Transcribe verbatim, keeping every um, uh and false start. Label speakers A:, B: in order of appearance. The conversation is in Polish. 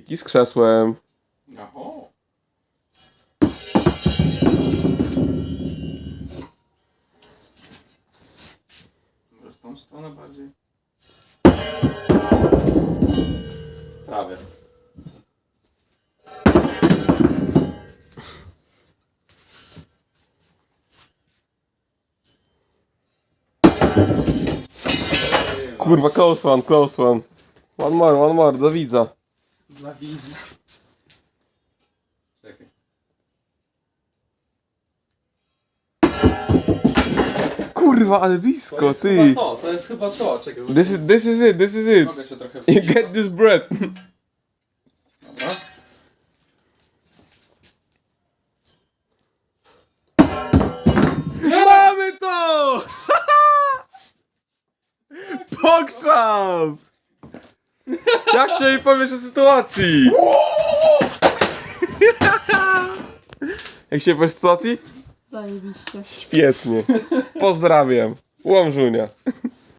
A: Triki z krzesłem.
B: Oho. Może w tą stronę bardziej? Prawie.
A: Kurwa, close one, close one. One more, one more, do widza.
B: Dla widza. Czekaj.
A: Kurwa, ale
B: To
A: blisko,
B: jest
A: ty.
B: chyba to, to jest chyba to. Czekaj,
A: This is, this is it, this is it.
B: mogę się trochę
A: You get this bread.
B: Dobra.
A: Mamy to! Pokrzam! Jak się jej powiesz o sytuacji? Jak się powiesz o sytuacji?
C: Zajebiście.
A: Świetnie. Pozdrawiam. Łomżunia.